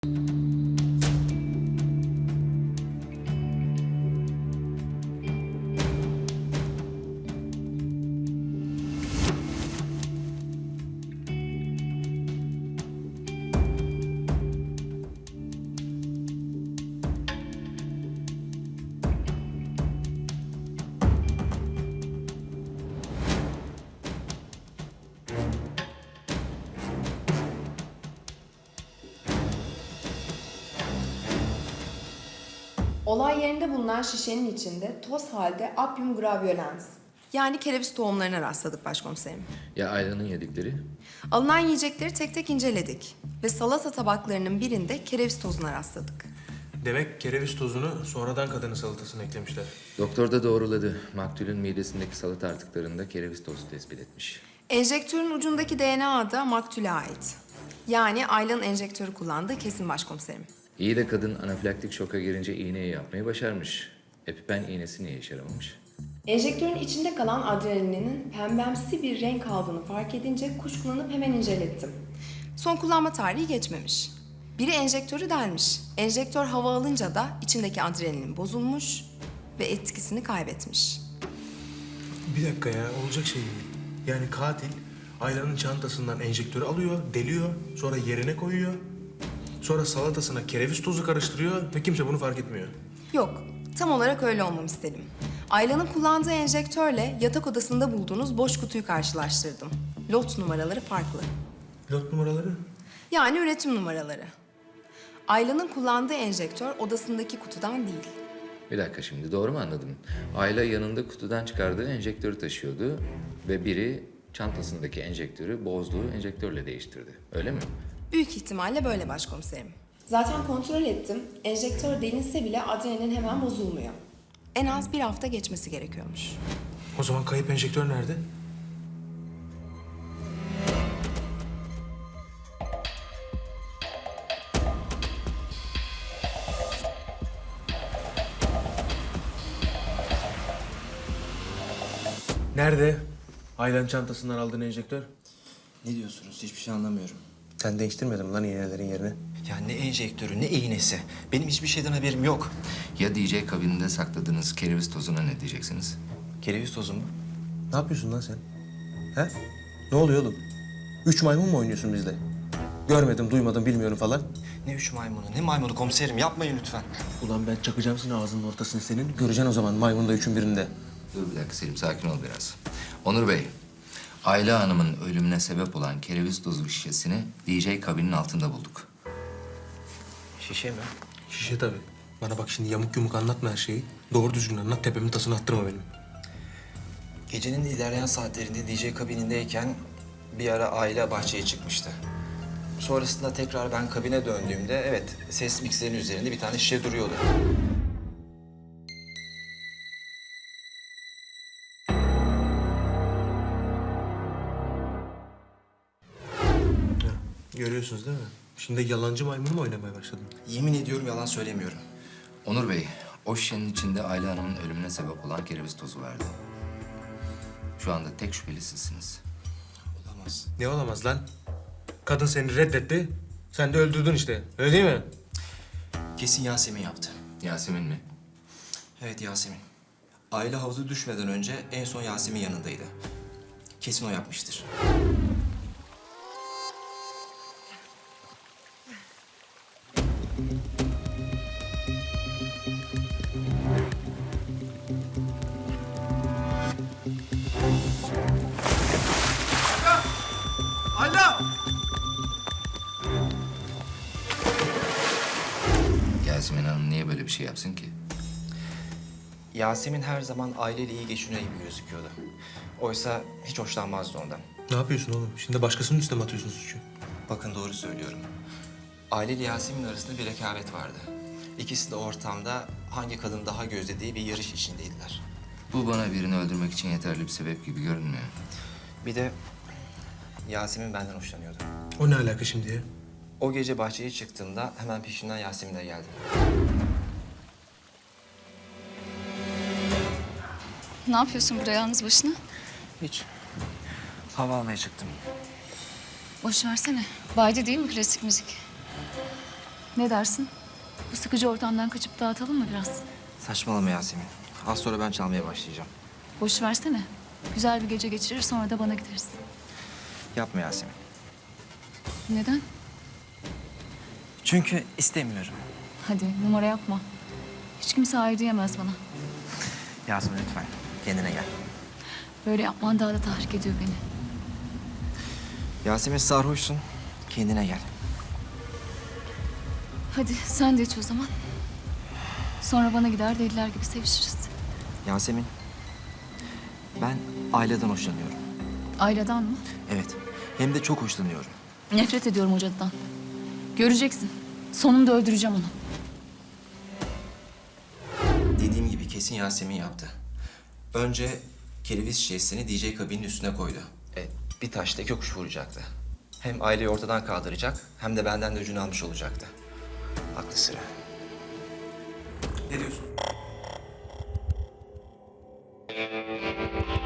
Olay yerinde bulunan şişenin içinde toz halde Appium graveolens, yani kereviz tohumlarına rastladık başkomiserim. Ya Ayla'nın yedikleri? Alınan yiyecekleri tek tek inceledik ve salata tabaklarının birinde kereviz tozuna rastladık. Demek kereviz tozunu sonradan kadının salatasına eklemişler. Doktor da doğruladı. Maktulün midesindeki salata artıklarında kereviz tozu tespit etmiş. Enjektörün ucundaki DNA da maktule ait. Yani Ayla'nın enjektörü kullandığı kesin başkomiserim. İyi de kadın anafilaktik şoka girince iğneyi yapmayı başarmış. Epipen iğnesi niye işe yaramamış? Enjektörün içinde kalan adrenalinin pembemsi bir renk aldığını fark edince kuşkulanıp hemen incelettim. Son kullanma tarihi geçmemiş. Biri enjektörü delmiş. Enjektör hava alınca da içindeki adrenalin bozulmuş ve etkisini kaybetmiş. Bir dakika ya, olacak şey değil. Yani katil Ayla'nın çantasından enjektörü alıyor, deliyor, sonra yerine koyuyor. Sonra salatasına kereviz tozu karıştırıyor ve kimse bunu fark etmiyor. Yok, tam olarak öyle olmamı istedim. Ayla'nın kullandığı enjektörle yatak odasında bulduğunuz boş kutuyu karşılaştırdım. Lot numaraları farklı. Lot numaraları? Yani üretim numaraları. Ayla'nın kullandığı enjektör odasındaki kutudan değil. Bir dakika şimdi doğru mu anladım? Ayla yanında kutudan çıkardığı enjektörü taşıyordu ve biri çantasındaki enjektörü bozduğu enjektörle değiştirdi. Öyle mi? Büyük ihtimalle böyle başkomiserim. Zaten kontrol ettim. Enjektör delinse bile adrenalin hemen bozulmuyor. En az bir hafta geçmesi gerekiyormuş. O zaman kayıp enjektör nerede? Nerede? Ayla'nın çantasından aldığın enjektör. Ne diyorsunuz? Hiçbir şey anlamıyorum. Sen değiştirmedin mi lan iğnelerin yerini? Ya ne enjektörü, ne iğnesi. Benim hiçbir şeyden haberim yok. Ya DJ kabininde sakladığınız kereviz tozuna ne diyeceksiniz? Kereviz tozu mu? Ne yapıyorsun lan sen? He? Ne oluyor oğlum? 3 maymun mu oynuyorsun bizle? Görmedim, duymadım, bilmiyorum falan. Ne üç maymunu, ne maymunu komiserim. Yapmayın lütfen. Ulan ben çakacağım seni ağzının ortasını senin. Göreceksin o zaman maymun da üçün birinde. Dur bir dakika Selim, sakin ol biraz. Onur Bey, Ayla Hanım'ın ölümüne sebep olan kereviz tozu şişesini DJ kabinin altında bulduk. Şişe mi? Şişe tabii. Bana bak şimdi yamuk yumuk anlatma her şeyi. Doğru düzgün anlat, tepemin tasını attırma benim. Gecenin ilerleyen saatlerinde DJ kabinindeyken bir ara aile bahçeye çıkmıştı. Sonrasında tekrar ben kabine döndüğümde evet ses mikserinin üzerinde bir tane şişe duruyordu. Ya, görüyorsunuz değil mi? Şimdi yalancı maymunu mu oynamaya başladın? Yemin ediyorum yalan söylemiyorum. Onur Bey, o şişenin içinde Ayla Hanım'ın ölümüne sebep olan kereviz tozu vardı. Şu anda tek şüpheli sizsiniz. Olamaz. Ne olamaz lan? Kadın seni reddetti, sen de öldürdün işte. Öyle değil mi? Kesin Yasemin yaptı. Yasemin mi? Evet Yasemin. Aile havuza düşmeden önce en son Yasemin yanındaydı. Kesin o yapmıştır. Yasemin Hanım niye böyle bir şey yapsın ki? Yasemin her zaman aileyle iyi geçiniyor gibi gözüküyordu. Oysa hiç hoşlanmazdı ondan. Ne yapıyorsun oğlum? Şimdi başkasının üstüne mi atıyorsun suçu? Bakın doğru söylüyorum. Aile ile Yasemin arasında bir rekabet vardı. İkisi de ortamda hangi kadın daha gözlediği bir yarış içindeydiler. Bu bana birini öldürmek için yeterli bir sebep gibi görünmüyor. Bir de Yasemin benden hoşlanıyordu. O ne alaka şimdi ya? O gece bahçeye çıktığımda hemen peşinden Yasemin de geldi. Ne yapıyorsun burada yalnız başına? Hiç. Hava almaya çıktım. Boş versene. Baydi değil mi klasik müzik? Ne dersin? Bu sıkıcı ortamdan kaçıp dağıtalım mı biraz? Saçmalama Yasemin. Az sonra ben çalmaya başlayacağım. Boş versene. Güzel bir gece geçirir sonra da bana gideriz. Yapma Yasemin. Neden? Çünkü istemiyorum. Hadi numara yapma. Hiç kimse hayır diyemez bana. Yasemin lütfen kendine gel. Böyle yapman daha da tahrik ediyor beni. Yasemin sarhoşsun. Kendine gel. Hadi sen de iç o zaman. Sonra bana gider deliler gibi sevişiriz. Yasemin, ben Ayla'dan hoşlanıyorum. Aileden mı? Evet, hem de çok hoşlanıyorum. Nefret ediyorum o cadıdan. Göreceksin. Sonunda öldüreceğim onu. Dediğim gibi kesin Yasemin yaptı. Önce kereviz şişesini DJ kabinin üstüne koydu. Bir taşla iki kuş vuracaktı. Hem aileyi ortadan kaldıracak hem de benden de öcünü almış olacaktı. Aklı sıra. Ne diyorsun?